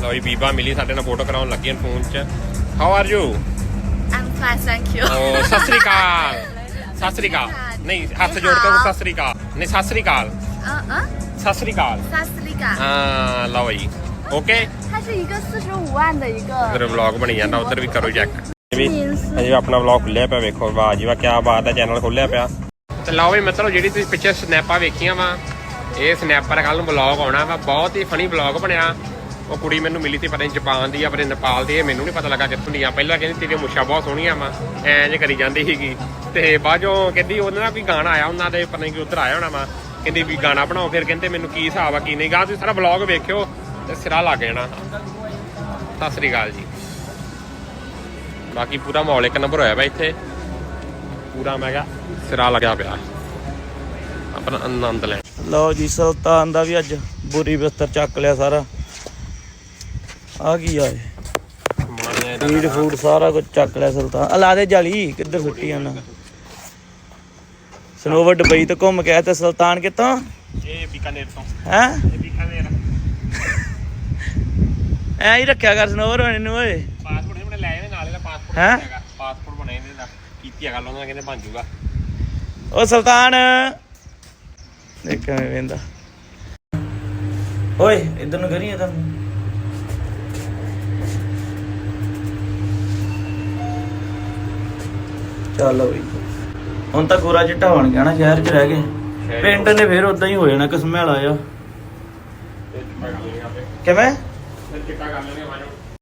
ਲਓ ਜੀ ਬੀਬਾ ਮਿਲੀ ਸਾਡੇ ਨਾਲ ਫੋਟੋ ਕਰਾਉਣ ਲੱਗੀ ਫੋਨ 'ਚ। How are you? I'm fine, thank you. ਸਤਿ ਸ੍ਰੀ ਅਕਾਲ। ਸਤਿ ਸ੍ਰੀ ਅਕਾਲ ਨਹੀਂ, ਹੱਥ ਜੋੜ ਕੇ ਸਤਿ ਸ੍ਰੀ ਅਕਾਲ ਨਹੀਂ, ਸਤਿ ਸ੍ਰੀ ਅਕਾਲ। ਸਤਿ ਸ੍ਰੀ ਅਕਾਲ। ਹਾਂ ਲਓ ਜੀ ਓਕੇ। 它是一个45万的一个。 ਉਧਰ ਵਲੌਗ ਬਣੀ ਜਾਂਦਾ, ਉਧਰ ਵੀ ਕਰੋ ਚੈੱਕ। ਅਜੇ ਆਪਣਾ ਵਲੌਗ ਖੁੱਲਿਆ ਪਿਆ, ਵੇਖੋ ਵਾਹ ਜੀ ਵਾਹ ਕਿਆ ਬਾਤ ਹੈ, ਚੈਨਲ ਖੋਲਿਆ ਪਿਆ। ਤੇ ਲਓ ਵੀ ਮਿੱਤਰੋ, ਜਿਹੜੀ ਤੁਸੀਂ ਪਿੱਛੇ ਸਨੈਪਾਂ ਵੇਖੀਆਂ ਵਾ, ਇਹ ਸਨੈਪਰ ਕੱਲ ਨੂੰ ਵਲੌਗ ਆਉਣਾ ਵਾ। ਬਹੁਤ ਹੀ ਫਨੀ ਵਲੌਗ ਬਣਿਆ। ਉਹ ਕੁੜੀ ਮੈਨੂੰ ਮਿਲੀ ਸੀ, ਪਤਾ ਨਹੀਂ ਜਾਪਾਨ ਦੀ ਆ ਪਤਾ ਨੇਪਾਲ ਦੀ, ਇਹ ਮੈਨੂੰ ਨਹੀਂ ਪਤਾ ਲੱਗਾ ਕਿੱਥੋਂ ਦੀ ਆ। ਪਹਿਲਾਂ ਕਹਿੰਦੀ ਤੇਰੀਆਂ ਮੁੱਛਾਂ ਬਹੁਤ ਸੋਹਣੀਆਂ ਵਾ, ਐਂ ਜੇ ਕਰੀ ਜਾਂਦੀ ਸੀਗੀ। ਤੇ ਬਾਅਦ ਚੋਂ ਕਹਿੰਦੀ ਉਹਨਾਂ ਦਾ ਵੀ ਗਾਣਾ ਆਇਆ ਉਹਨਾਂ ਦੇ, ਪਤਾ ਨਹੀਂ ਕਿ ਉੱਧਰ ਆਇਆ ਹੋਣਾ ਵਾ। ਕਹਿੰਦੀ ਵੀ ਗਾਣਾ ਬਣਾਓ, ਫਿਰ ਕਹਿੰਦੇ ਮੈਨੂੰ ਕੀ ਹਿਸਾਬ ਆ ਕੀ ਨਹੀਂ ਗਾ। ਤੁਸੀਂ ਸਾਰਾ ਵਲੌਗ ਵੇਖਿਓ ਤੇ ਸਿਰਾ ਲੱਗ ਜਾਣਾ। ਸਤਿ ਸ੍ਰੀ ਅਕਾਲ ਜੀ। ਬਾਕੀ ਪੂਰਾ ਮਾਹੌਲ ਇੱਕ ਨੰਬਰ ਹੋਇਆ ਵਾ ਇੱਥੇ, ਪੂਰਾ ਮੈਂ ਕਿਹਾ ਸਿਰਾ ਲੱਗਿਆ ਪਿਆ, ਆਪਣਾ ਆਨੰਦ ਲੈ। ਲਓ ਜੀ ਸੁਲਤਾਨ ਦਾ ਵੀ ਅੱਜ ਬੁਰੀ ਬਿਸਤਰ ਚੱਕ ਲਿਆ ਸਾਰਾ। ਆ ਕੀ ਆ ਫੀਡ ਫੂਡ ਸਾਰਾ ਕੁਝ ਚੱਕ ਲਿਆ ਸੁਲਤਾਨ। ਆ ਲਾ ਦੇ ਜਾਲੀ, ਕਿੱਧਰ ਸੁੱਟੀ ਜਾਣਾ। ਸਨੋਵਰ ਦੁਬਈ ਤੋਂ ਘੁੰਮ ਕੇ ਆਇਆ ਤੇ ਸੁਲਤਾਨ ਕਿੱਥੋਂ? ਇਹ ਬੀਕਾਨੇਰ ਤੋਂ। ਹੈਂ ਇਹ ਬੀਕਾਨੇਰ ਐਂ ਹੀ ਰੱਖਿਆ ਕਰ ਸਨੋਵਰ ਹੋਣੇ ਨੂੰ ਓਏ। ਪਾਸਪੋਰਟ ਇਹਨੇ ਲੈ ਆਏ ਨਾਲ, ਇਹਦਾ ਪਾਸਪੋਰਟ ਹੈਂ? ਹੈਗਾ, ਪਾਸਪੋਰਟ ਬਣਾਏ ਇਹਦੇ ਦਾ। ਕੀਤੀ ਗੱਲ ਉਹਨਾਂ ਕਹਿੰਦੇ ਬਣ ਜੂਗਾ। ਓ ਸੁਲਤਾਨ ਦੇਖ ਕਿਵੇਂ ਵੇਂਦਾ ਓਏ, ਇਧਰ ਨੂੰ ਕਰੀ ਇਧਰ ਨੂੰ। ਚੱਲ ਬਈ, ਹੁਣ ਤਾਂ ਗੋਰਾ ਚਿੱਟਾ ਬਣ ਗਿਆ ਨਾ, ਸ਼ਹਿਰ 'ਚ ਰਹਿ ਗਏ। ਪਿੰਡ ਨੇ ਫੇਰ ਉਦਾਂ ਹੀ ਹੋ ਜਾਣਾ ਕਸਮੇਲਾ ਆ। ਕਿਵੇਂ ਚਿੱਟਾ ਕਰ ਲੈਣੇ ਮਾਜੋ।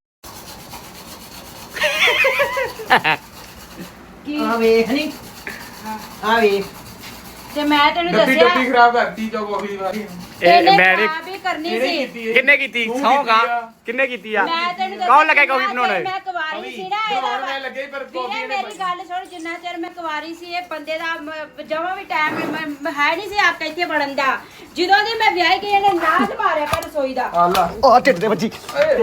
ਆ ਵੇਖ ਨੀ, ਆ ਵੇਖ। ਤੇ ਮੈਂ ਤੈਨੂੰ ਦੱਸਿਆ ਡੱਬੀ ਖਰਾਬ ਕਰਤੀ ਜੋ ਕਾਫੀ ਵਾਰੀ। ਮੈਂ ਵੀ ਕਰਨੀ ਸੀ। ਕਿੰਨੇ ਕੀਤੀ? ਸੌਗਾ ਕਿੰਨੇ ਕੀਤੀ ਆ? ਮੈਂ ਤੈਨੂੰ ਦੱਸਿਆ ਕੌਣ ਲੱਗਾ ਕਾਫੀ ਬਣਾਉਣਾ? ਮੈਂ ਕੁਵਾਰੀ ਸੀ ਨਾ, ਬਣਾਉਣ ਮੈਂ ਲੱਗੇ ਪਰ ਕਾਫੀ ਵੀਰੇ ਮੇਰੀ ਗੱਲ ਸੁਣ, ਜਿੰਨਾ ਚਿਰ ਮੈਂ ਕੁਵਾਰੀ ਸੀ ਇਹ ਬੰਦੇ ਦਾ ਜਮਾ ਵੀ ਟਾਈਮ ਹੈ ਨਹੀਂ ਸੀ ਆਪ ਇੱਥੇ ਵੜਨ ਦਾ। ਜਦੋਂ ਦੀ ਮੈਂ ਵਿਆਹ ਗਈ ਇਹਨੇ ਨਾਚ ਮਾਰਿਆ ਪਰ ਰਸੋਈ ਦਾ। ਆਲਾ ਉਹ ਢਿੱਡ ਦੇ ਵੱਜੀ,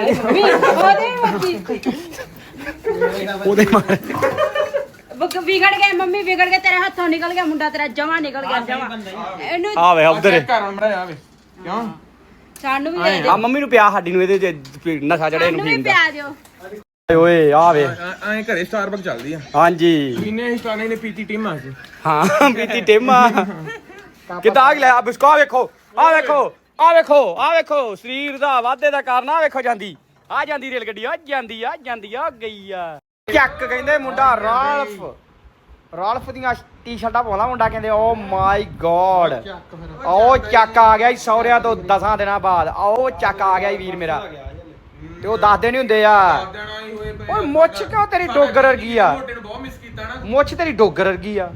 ਉਹਦੇ ਮਾਰ ਵਿਗੜ ਗਏ ਮੰਮੀ, ਵਿਗੜ ਗਏ, ਤੇਰੇ ਹੱਥੋਂ ਨਿਕਲ ਗਿਆ ਮੁੰਡਾ, ਤੇਰਾ ਜਮਾ ਨਿਕਲ ਗਿਆ ਜਮਾ। ਇਹਨੂੰ ਆ ਵੇ ਉਧਰ ਘਰ ਮੜਾ ਆਵੇ ਕਿਉਂ? ਸਾਨੂੰ ਵੀ ਦੇ ਦੇ, ਆ ਮੰਮੀ ਨੂੰ ਪਿਆ, ਸਾਡੀ ਨੂੰ ਇਹਦੇ ਚ ਨਸ਼ਾ ਚੜਿਆ ਇਹਨੂੰ ਸਾਨੂੰ ਵੀ ਪੀਣ ਦਾ। ਪਿਆ ਦਿਓ। ਓਏ ਆ ਵੇ ਐਂ ਘਰੇ ਸਟਾਰਬਕ ਚੱਲਦੀ ਆ। ਹਾਂਜੀ ਕਿੰਨੇ ਹੀ ਸਟਾਰਨੇ ਨੇ ਪੀਤੀ ਟੀਮਾਂ ਸੀ। ਹਾਂ ਪੀਤੀ ਟੇਮਾ ਕਿਦਾਂ ਆ ਗਿਆ। ਬਿਸਕੋ ਆ ਵੇਖੋ, ਆ ਵੇਖੋ, ਆ ਵੇਖੋ, ਆ ਵੇਖੋ ਸਰੀਰ ਦਾ ਵਾਧੇ ਦਾ ਕਾਰਨ। ਆ ਵੇਖੋ ਜਾਂਦੀ, ਆ ਜਾਂਦੀ ਰੇਲ ਗੱਡੀ, ਆ ਜਾਂਦੀ, ਆ ਜਾਂਦੀ, ਆ ਗਈ ਆ। ਚੱਕ ਕਹਿੰਦੇ ਮੁੰਡਾ ਰਾਲਫ ਦੀਆਂ ਟੀ-ਸ਼ਰਟਾਂ ਪਾਉਂਦਾ ਮੁੰਡਾ, ਕਹਿੰਦੇ ਓ ਮਾਈ ਗੋਡ। ਉਹ ਚੱਕ ਆ ਗਿਆ ਸਹੁਰਿਆਂ ਤੋਂ 10 ਦਿਨਾਂ ਬਾਅਦ। ਉਹ ਚੱਕ ਆ ਗਿਆ ਵੀਰ ਮੇਰਾ, ਤੇ ਉਹ ਦੱਸਦੇ ਨਹੀਂ ਹੁੰਦੇ ਆ। ਓਏ ਮੁੱਛ ਕਿਉਂ ਤੇਰੀ ਡੋਗਰ ਵਰਗੀ ਆ? ਮੋਟੇ ਨੂੰ ਬਹੁਤ ਮਿਸ ਕੀਤਾ ਨਾ। ਮੁੱਛ ਤੇਰੀ ਡੋਗਰ ਵਰਗੀ ਆ।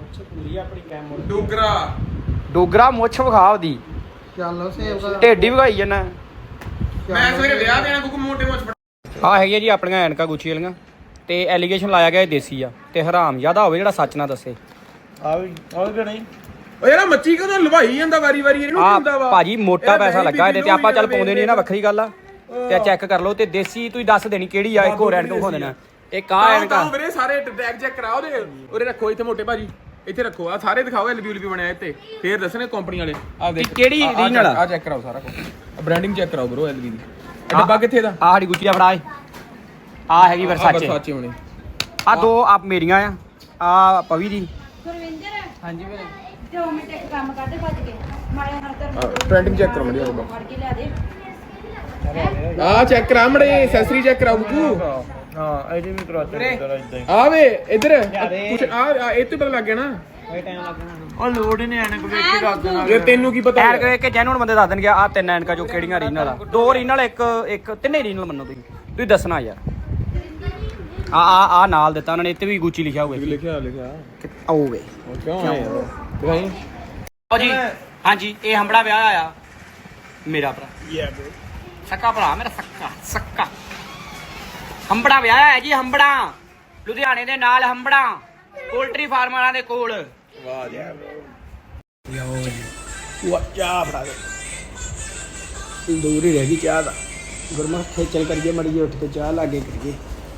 ਡੋਗਰਾ ਡੋਗਰਾ ਮੁੱਛ ਵਿਖਾ ਉਹਦੀ, ਚੱਲ ਸੇਵ ਢਿੱਡ ਹੀ ਵਿਖਾਈ ਜਾਣਾ। ਮੈਂ ਸਵੇਰੇ ਵਿਆਹ ਦੇਣਾ ਕਿਉਂਕਿ ਮੋਟੇ ਮੁੱਛ ਆ ਹੈਗੀਆਂ ਜੀ ਆਪਣੀਆਂ ਐਨਕਾਂ ਗੁੱਚੀ ਵਾਲੀਆਂ, ਤੇ ਐਲੀਗੇਸ਼ਨ ਲਾਇਆ ਗਿਆ ਇਹ ਦੇਸੀ ਆ ਤੇ ਹਰਾਮ ਜ਼ਿਆਦਾ ਹੋਵੇ ਜਿਹੜਾ ਸੱਚ ਨਾ ਦੱਸੇ। ਆ ਵੀ ਨਹੀਂ ਓਏ ਯਾਰ ਮੱਛੀ ਕਿਉਂ ਲਵਾਈ ਜਾਂਦਾ ਵਾਰੀ ਵਾਰੀ ਇਹਨੂੰ ਆ ਹੁੰਦਾ ਵਾ। ਭਾਜੀ ਮੋਟਾ ਪੈਸਾ ਲੱਗਾ ਇਹਦੇ ਤੇ, ਆਪਾਂ ਚੱਲ ਪਾਉਂਦੇ ਨਹੀਂ ਨਾ, ਵੱਖਰੀ ਗੱਲ ਆ। ਤੇ ਚੈੱਕ ਕਰ ਲਓ, ਤੇ ਦੇਸੀ ਤੁਸੀਂ ਦੱਸ ਦੇਣੀ ਕਿਹੜੀ ਆ। ਇੱਕ ਹੋਰ ਐਨਕ ਵਿਖਾ ਦੇਣਾ, ਇੱਕ ਆ ਐਨਕਾਂ ਵੀਰੇ ਸਾਰੇ ਟੈਗ ਚੈੱਕ ਕਰਾਓ ਦੇ ਉਰੇ ਰੱਖੋ ਇੱਥੇ ਮੋਟੇ ਭਾਜੀ, ਇੱਥੇ ਰੱਖੋ। ਆ ਸਾਰੇ ਦਿਖਾਓ ਐਲਬੀ ਬਣਿਆ ਇੱਥੇ, ਫੇਰ ਦੱਸਣੇ ਕੰਪਨੀ ਵਾਲੇ। ਆ ਦੇਖ ਕਿਹੜੀ ਰੀਜਨਲ ਆ ਚੈੱਕ ਕਰਾਓ ਸਾਰਾ ਕੁਝ, ਬ੍ਰਾਂਡਿੰਗ ਚੈੱਕ ਕਰਾਓ ਬ్రో ਐਲਬੀ ਦੀ। ਇਹ ਡੱਬਾ ਕਿੱਥੇ ਦਾ? ਆ ਸਾਡੀ ਗੁੱਚੀ ਦਾ ਫੜਾ, ਆ ਹੈਗੀ ਵਰਸਾਚੇ। ਵਰਸਾਚੇ ਹੋਣੇ ਆ ਦੋ ਆਪ ਮੇਰੀਆਂ ਆ ਪਵੀ ਦੀ। ਗੁਰਵਿੰਦਰ ਹਾਂਜੀ ਵੀਰੇ 2 ਮਿੰਟ ਇੱਕ ਕੰਮ ਕਰਦੇ ਭੱਜ ਕੇ ਮਾਰੇ ਹਰ ਟ੍ਰੈਂਡਿੰਗ ਚੈੱਕ ਕਰੋ ਮੜਿਆ ਬਾਬਾ। ਫੜ ਕੇ ਲਿਆ ਦੇ। ਆ ਚੈੱਕ ਕਰਾ ਮੜੇ, ਐਕਸੈਸਰੀ ਚੈੱਕ ਕਰਾਓ ਬੁੱਕੂ। ਹਾਂ ਇਹਦੇ ਵੀ ਕਰਾ ਦੇ ਇਦਾਂ ਹੀ। ਆ ਵੇ ਇੱਧਰ ਕੁਛ ਆ ਇਹ ਤੋਂ ਪਤਾ ਲੱਗ ਗਿਆ ਨਾ। ਉਹ ਲੋੜ ਹੀ ਨਹੀਂ ਐਨਕ ਵੇਖ ਕੇ ਦੱਸ ਦੇਣਾ। ਇਹ ਤੈਨੂੰ ਕੀ ਪਤਾ? ਐਨਕ ਵੇਖ ਕੇ ਜੈਨੂਨ ਬੰਦੇ ਦੱਸ ਦੇਣਗੇ ਆ 3 ਐਨਕਾਂ ਜੋ ਕਿਹੜੀਆਂ ਰੀਜਨਲ ਆ। 2 ਰੀਜਨਲ, ਇੱਕ ਤਿੰਨੇ ਰੀਜਨਲ ਮੰਨੋ ਤੁਸੀਂ ਦੱਸਣਾ ਯਾਰ। ਆ ਨਾਲ ਦਿੱਤਾ ਉਹਨਾਂ ਨੇ, ਇੱਥੇ ਵੀ ਗੁੱਚੀ ਲਿਖਿਆ ਹੋਇਆ। ਲਿਖਿਆ ਆਓਗੇ ਕਿਉਂ ਆਏ ਯਾਰ ਦਿਖਾਈ। ਓ ਜੀ ਹਾਂਜੀ, ਇਹ ਹੰਬੜਾ ਵਿਆਹ ਆਇਆ ਮੇਰਾ ਭਰਾ, ਸੱਕਾ ਭਰਾ ਮੇਰਾ, ਸੱਕਾ ਹੰਬੜਾ ਵਿਆਹ ਹੈ ਜੀ। ਹੰਬੜਾ ਲੁਧਿਆਣੇ ਦੇ ਨਾਲ, ਹੰਬੜਾ ਪੋਲਟਰੀ ਫਾਰਮ ਵਾਲਿਆਂ ਦੇ ਕੋਲ। ਵਾਹ ਯਾਰ ਉਹ ਚਾਹ ਫੜਾ ਦੇ, ਦੂਰ ਹੀ ਰਹਿ ਗਈ ਚਾਹ ਦਾ। ਗੁਰਮੁਖ ਖੇਚਲ ਕਰੀਏ ਮੜੀ ਜੀ, ਉੱਠ ਕੇ ਚਾਹ ਲਾਗੇ ਕਰੀਏ।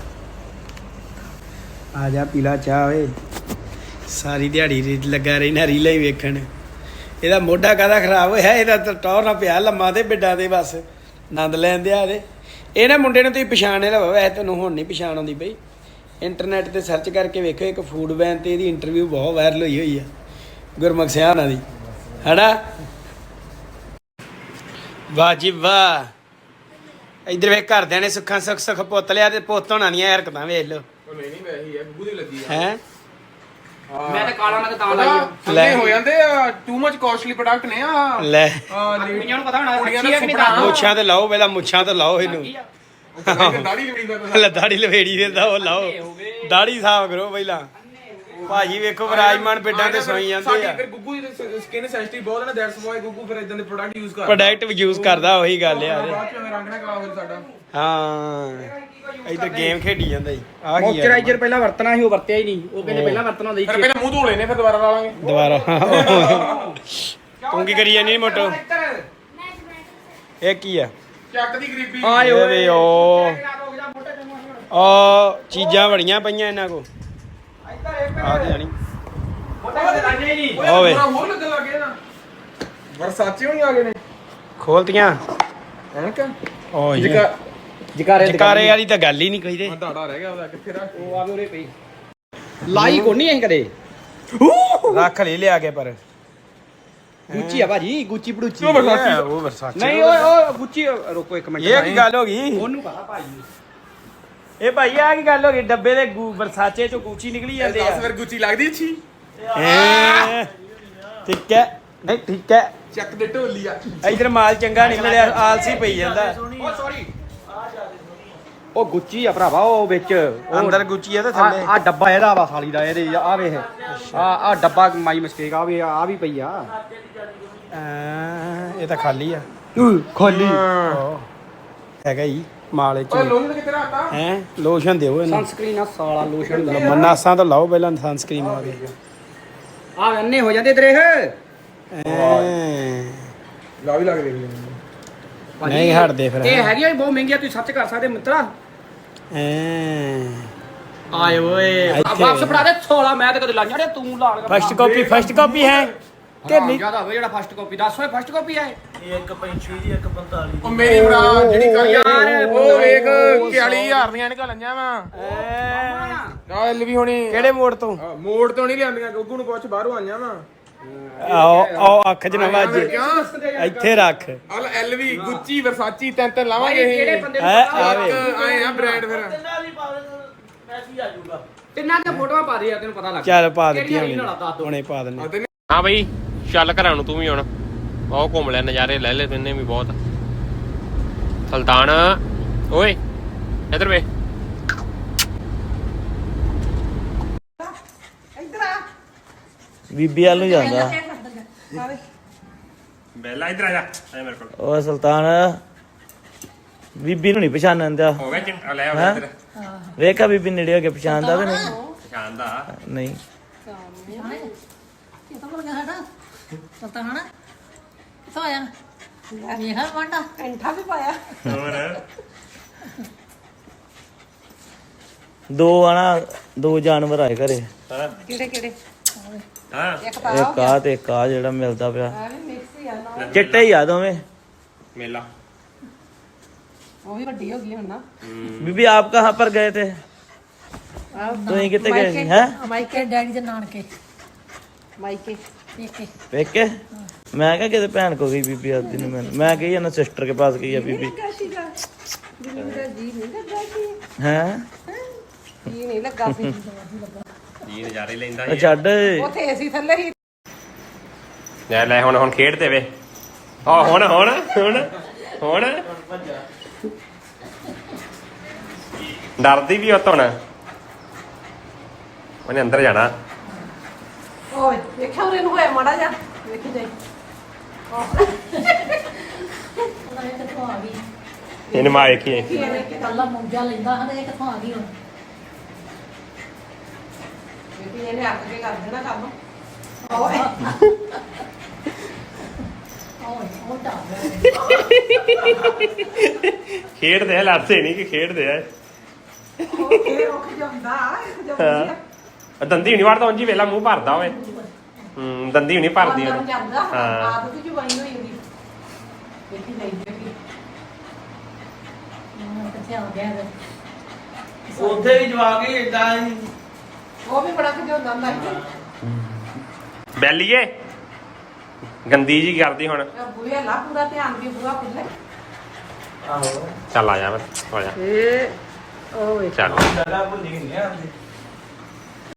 ਆ ਜਾ ਪੀਲਾ ਚਾਹ ਓਏ, ਸਾਰੀ ਦਿਹਾੜੀ ਲੱਗਾ ਰਹਿਣਾ ਰੀਲਾਂ ਹੀ ਵੇਖਣ। ਇਹਦਾ ਮੋਢਾ ਕਾਹਦਾ ਖਰਾਬ ਹੋਇਆ? ਇਹਦਾ ਤਾਂ ਟੌਰ ਨਾ ਪਿਆ ਲੰਮਾ ਤੇ ਬਿੱਡਾਂ ਦੇ ਬਸ। ਆਨੰਦ ਲੈਂਦੇ ਆ ਇਹਦੇ। ਇਹ ਨਾ ਮੁੰਡੇ ਨੂੰ ਤੁਸੀਂ ਪਛਾਣ ਲਓ, ਵੈਸੇ ਤੁਹਾਨੂੰ ਹੁਣ ਨਹੀਂ ਪਛਾਣ ਆਉਂਦੀ ਬਈ। ਇੰਟਰਨੈਟ ਤੇ ਸਰਚ ਕਰਕੇ ਵੇਖੋ, ਇੱਕ ਫੂਡ ਵੈਨ ਤੇ ਇਹਦੀ ਇੰਟਰਵਿਊ ਬਹੁਤ ਵਾਇਰਲ ਹੋਈ ਆ ਗੁਰਮੁਖ ਸਿੰਘ ਹੋਣਾ ਦੀ, ਹੈਨਾ। ਵਾਹ ਜੀ ਵਾਹ। ਇੱਧਰ ਵੇਖ ਘਰਦਿਆਂ ਨੇ ਸੁੱਖਾਂ ਸੁੱਖ ਪੁੱਤ ਲਿਆ ਤੇ ਪੁੱਤ ਹੋਣਾ ਦੀਆਂ ਹਰਕਤਾਂ ਵੇਖ ਲਓ। ਨਹੀਂ ਵੈਸੀ ਹੈ, ਗੁੱਗੂ ਦੀ ਲੱਗੀ ਆ। ਹੈ ਮੈਂ ਤਾਂ ਕਾਲਾ ਮੈਂ ਤਾਂ ਲਾਈ ਲੈ ਹੋ ਜਾਂਦੇ ਟੂ ਮਚ ਕਾਸਟਲੀ ਪ੍ਰੋਡਕਟ ਨੇ ਆ। ਲੈ ਕੁੜੀਆਂ ਨੂੰ ਪਤਾ ਹੋਣਾ ਕੁੜੀਆਂ ਦਾ ਸੁਪਨਾ। ਮੁੱਛਾਂ ਤੇ ਲਾਓ, ਪਹਿਲਾਂ ਮੁੱਛਾਂ ਤੇ ਲਾਓ ਇਹਨੂੰ। ਦਾੜੀ ਲਵੜੀ ਦਾ ਦਾੜੀ ਲਵੇੜੀ ਦਿੰਦਾ ਉਹ ਲਾਓ, ਦਾੜੀ ਸਾਫ ਕਰੋ ਪਹਿਲਾਂ। ਭਾਜੀ ਵੇਖੋ ਵਿਰਾਜਮਾਨ ਪਿੰਡਾਂ ਤੇ ਸੋਈ ਜਾਂਦੇ ਆ। ਫਿਰ ਗੁੱਗੂ ਦੀ ਸਕਿਨ ਸੈਂਸਿਟਿਵ ਬਹੁਤ ਹੈ ਨਾ, ਦੈਟਸ ਵਾਈ ਗੁੱਗੂ ਫਿਰ ਇਦਾਂ ਦੇ ਪ੍ਰੋਡਕਟ ਯੂਜ਼ ਕਰਦਾ। ਪ੍ਰੋਡਕਟ ਯੂਜ਼ ਕਰਦਾ, ਉਹੀ ਗੱਲ ਆ। ਬਾਅਦ ਚ ਰੰਗ ਨਾ ਖਰਾਬ ਹੋ ਸਾਡਾ। ਹਾਂ ਇੱਧਰ ਗੇਮ ਖੇਡੀ ਜਾਂਦਾ ਜੀ। ਆ ਕੀ ਮੋਇਸਚਰਾਈਜ਼ਰ ਪਹਿਲਾਂ ਵਰਤਣਾ ਸੀ, ਉਹ ਵਰਤਿਆ ਹੀ ਨਹੀਂ। ਉਹ ਕਹਿੰਦੇ ਪਹਿਲਾਂ ਵਰਤਣਾ ਹੁੰਦਾ ਫਿਰ ਪਹਿਲਾਂ ਮੂੰਹ ਧੋ ਲੈਨੇ, ਫਿਰ ਦੁਬਾਰਾ ਲਾ ਲਾਂਗੇ। ਦੁਬਾਰਾ ਤੂੰ ਕੀ ਕਰੀ ਜਾਨੀ ਮੋਟੋ? ਇਹ ਕੀ ਆ? ਚੱਕ ਦੀ ਗਰੀਬੀ। ਆਏ ਓਏ ਓ ਚੀਜ਼ਾਂ ਬੜੀਆਂ ਪਈਆਂ ਇਹਨਾਂ ਕੋ। ਆ ਕੀ ਜਾਣੀ ਓਏ ਹੋਰ ਲੱਗਣ ਲੱਗੇ ਨਾ, ਵਰਸਾਚੇ ਹੋਣੀ ਆ ਗਏ ਨੇ ਖੋਲਤੀਆਂ ਐਨਕ। ਓ ਜਕਾਰੇ ਵਾਲੀ ਤਾਂ ਗੱਲ ਹੀ ਨਹੀਂ ਕਹੀਦੇ। ਦਾੜਾ ਰਹਿ ਗਿਆ ਉਹਦਾ, ਕਿੱਥੇ ਰੱਖ? ਉਹ ਆਵੇ ਉਰੇ ਪਈ ਲਾਈ ਕੋ ਨਹੀਂ ਅਸੀਂ ਕਦੇ। ਰੱਖ ਲਈ ਲਿਆ ਕੇ ਪਰ ਗੁੱਚੀ ਆ ਭਾਜੀ, ਗੁੱਚੀ ਪੜੂਚੀ। ਉਹ ਵਰਸਾਚੇ। ਉਹ ਵਰਸਾਚੇ ਨਹੀਂ ਓਏ ਗੁੱਚੀ। ਰੁਕੋ ਇੱਕ ਮਿੰਟ। ਇਹ ਕੀ ਗੱਲ ਹੋ ਗਈ? ਉਹਨੂੰ ਪਤਾ ਭਾਜੀ। ਇਹ ਭਾਈ ਆ ਕੀ ਗੱਲ ਹੋ ਗਈ? ਡੱਬੇ ਦੇ ਵਰਸਾਚੇ ਚੋਂ ਗੁੱਚੀ ਨਿਕਲੀ ਜਾਂਦੇ ਆ। 10 ਫਿਰ ਗੁੱਚੀ ਲੱਗਦੀ ਅੱਛੀ। ਠੀਕ ਹੈ, ਨਹੀਂ ਠੀਕ ਹੈ। ਚੱਕ ਦੇ ਢੋਲੀ ਆ। ਇਧਰ ਮਾਲ ਚੰਗਾ ਨਹੀਂ ਮਿਲਿਆ, ਆਲਸੀ ਪਈ ਜਾਂਦਾ। Oh sorry. ਉਹ ਗੁੱਚੀ ਆ ਭਰਾਵਾ, ਉਹ ਵਿੱਚ ਅੰਦਰ ਗੁੱਚੀ ਆ ਤੇ ਥੱਲੇ ਆ ਡੱਬਾ ਇਹਦਾ ਵਾ ਸਾਲੀ ਦਾ। ਇਹਦੇ ਆ ਵੇਖ, ਆ ਡੱਬਾ ਮਾਈ ਮਿਸਟੇਕ ਆ ਵੀ ਪਈ ਆ। ਇਹ ਤਾਂ ਖਾਲੀ ਆ। ਖਾਲੀ ਹੈਗਾ ਹੀ ਮਾਲ ਇਹ ਓਏ ਚ। ਲੋਹੀ ਦਾ ਕਿੱਥੇ ਰੱਖਤਾ? ਹੈ ਲੋਸ਼ਨ ਦਿਓ ਇਹਨੂੰ। ਸਨਸਕ੍ਰੀਨ ਆ ਸਾਲਾ, ਲੋਸ਼ਨ ਦਾ। ਮਨਾਸਾਂ ਤੋਂ ਲਾਓ ਪਹਿਲਾਂ ਸਨਸਕ੍ਰੀਨ ਆ ਕੇ। ਆ ਅੰਨੇ ਹੋ ਜਾਂਦੇ ਤੇਰੇ। ਲਾ ਵੀ ਲੱਗ ਦੇਖ ਲੈਂਦੇ। ਨਹੀਂ ਹਟਦੇ ਫਿਰ। ਇਹ ਹੈਗੀਆਂ ਵੀ ਬਹੁਤ ਮਹਿੰਗੀਆਂ, ਤੁਸੀਂ ਸੱਚ ਕਰ ਸਕਦੇ ਮਿੱਤਰਾ। ਆਏ ਓਏ ਵਾਪਸ ਫੜਾ ਦੇ 16। ਮੈਂ ਤਾਂ ਕਦੇ ਲਾਈਆਂ ਨੇ, ਤੂੰ ਲਾ ਲਗਾ। ਫਸਟ ਕਾਪੀ ਹੈ ਕਿ ਨਹੀਂ? ਜਿਆਦਾ ਹੋਵੇ ਜਿਹੜਾ ਫਸਟ ਕਾਪੀ। ਦੱਸ ਓਏ ਫਸਟ ਕਾਪੀ ਆ ਇਹ। ਉਹ ਮੇਰੀ ਭਰਾ ਜਿਹੜੀ ਕਰ ਯਾਰ, ਉਹ ਵੇਖ 41000 ਦੀਆਂ ਨਿਕਲ ਲਈਆਂ ਵਾ। ਆ ਐਲ ਵੀ ਹੋਣੀ ਕਿਹੜੇ ਮੋੜ ਤੋਂ? ਮੋੜ ਤੋਂ ਨਹੀਂ ਲਿਆਂਦੀਆਂ, ਗੁੱਗੂ ਨੂੰ ਪੁੱਛ, ਬਾਹਰੋਂ ਆਈਆਂ ਵਾ। ਆਓ ਅੱਖ ਚ ਨਾ ਵੱਜ। ਇੱਥੇ ਰੱਖ। ਅਲ ਐਲ ਵੀ, ਗੁੱਚੀ, ਵਰਸਾਚੀ, ਤਿੰਨ ਲਾਵਾਂਗੇ ਇਹ। ਕਿਹੜੇ ਬੰਦੇ ਨੂੰ ਹੈ ਪਤਾ? ਆਵੇ ਆਏ ਆ ਬ੍ਰਾਂਡ ਫਿਰ। ਤਿੰਨਾਂ ਦੀਆਂ ਫੋਟੋਆਂ ਪਾ ਦੇ ਆ, ਤੈਨੂੰ ਪਤਾ ਲੱਗ ਚੱਲ ਪਾ ਦਿੱਤੀ ਕਿਹੜੀ ਵਾਲੀ ਦੱਸ ਦਿਓ। ਹੁਣੇ ਪਾ ਦਿੰਨੇ। ਹਾਂ ਬਈ ਚੱਲ ਘਰਾਂ ਨੂੰ ਤੂੰ ਵੀ ਹੁਣ। ਬਹੁਤ ਘੁੰਮ ਲਿਆ, ਨਜ਼ਾਰੇ ਲੈ ਲੈ ਤੈਨੇ ਵੀ ਬਹੁਤ। ਸੁਲਤਾਨ ਓਏ ਇੱਧਰ ਵੇ। ਬੀਬੀ ਵੱਲ ਨੂੰ ਜਾਂਦਾ। ਬੈਲਾ ਇੱਧਰ ਆ ਜਾ ਮੇਰੇ ਕੋਲ। ਉਹ ਸੁਲਤਾਨ ਬੀਬੀ ਨੂੰ ਨਹੀਂ ਪਛਾਣਨ ਦਿਆ। ਹੋ ਗਿਆ ਚਿੰਟਾ ਲੈ ਆ ਇੱਧਰ। ਵੇਖਾ ਬੀਬੀ ਨੇੜੇ ਹੋ ਕੇ ਪਛਾਣਦਾ ਕਿ ਨਹੀਂ? ਪਛਾਣਦਾ ਨਹੀਂ। ਦੋ ਜਾਨਵਰ ਆਏ ਘਰੇ। ਕਿਹੜੇ ਹਾਂ ਇੱਕ ਆ ਤੇ ਇੱਕ ਆ ਜਿਹੜਾ ਮਿਲਦਾ ਪਿਆ। ਚਿੱਟੇ ਹੀ ਆ ਦੋਵੇਂ। ਮੇਲਾ बीबी आप कहाँ पर गए थे? तो यहीं कितने गए थे? हैं? ਮਾਈਕੇ ਡੈਡੀ ਦੇ ਨਾਨਕੇ ਮਾਈਕੇ ਪੇਕੇ पेके? मैं क्या कहते भैन को गई बीबी आती नहीं। मैं गई है ना सिस्टर के पास गई है बीबी। हैं? ਜੀ ਨਜ਼ਾਰੇ ਲੈਂਦਾ छड़ ਲੈ ਲੈ ਹੁਣ ਖੇਡਦੇ ਵੇ। ਆ ਹੁਣ ਡਰਦੀ ਵੀ ਉਤੋਂ ਨਾ। ਉਹਨੇ ਅੰਦਰ ਜਾਣਾ। ਓਏ ਵੇਖਿਆ ਉਹਨੇ ਨੂੰ ਹੋਇਆ ਮਾੜਾ ਜਾ ਵੇਖੀ ਜਾਈ ਉਹਦਾ ਇਹ ਕਿੱਥੋਂ ਆ ਗਈ? ਇਹਨੂੰ ਮਾਂ ਵੇਖੀਏ। ਇਹ ਕੱਲਾ ਮੌਜਾ ਲੈਂਦਾ ਹਾਂ ਇਹ ਕਿੱਥੋਂ ਆ ਗਈ ਹੁਣ? ਵੇਖੀ ਇਹਨੇ ਅੱਗ ਕੇ ਕਰ ਦੇਣਾ ਕੰਮ। ਓਏ ਉਹ ਖੇਡਦੇ ਆ, ਲੜਦੇ ਨਹੀਂ ਕਿ ਖੇਡਦੇ ਆ। ਦੰਦੀ ਨਹੀਂ ਵੜਦਾ ਉਂਝ ਹੀ ਵੇਲਾ ਮੂੰਹ ਭਰਦਾ ਹੋਵੇ। ਦੰਦੀ ਨਹੀਂ ਭਰਦੀ ਉਹਨੂੰ। ਹਾਂ ਉੱਥੇ ਵੀ ਜਵਾਕ ਹੀ ਏਦਾਂ ਹੀ ਉਹ ਵੀ ਬੜਾ ਖਿਜਾਉਂਦਾ ਹੁੰਦਾ ਸੀ ਬੈਲੀਏ ਗੰਦੀ ਜੀ ਕਰਦੀ ਹੁਣ ਬੁਲੀਆ ਲਾ ਪੂਰਾ ਧਿਆਨ ਵੀ ਪੂਰਾ ਖੁੱਲੇ ਆਹੋ ਚੱਲ ਆ ਜਾ ਫਿਰ ਆ ਜਾ ਓਏ ਚੱਲ ਜਗ੍ਹਾ ਭੁੱਲੀ ਨਹੀਂ ਆਂਦੀ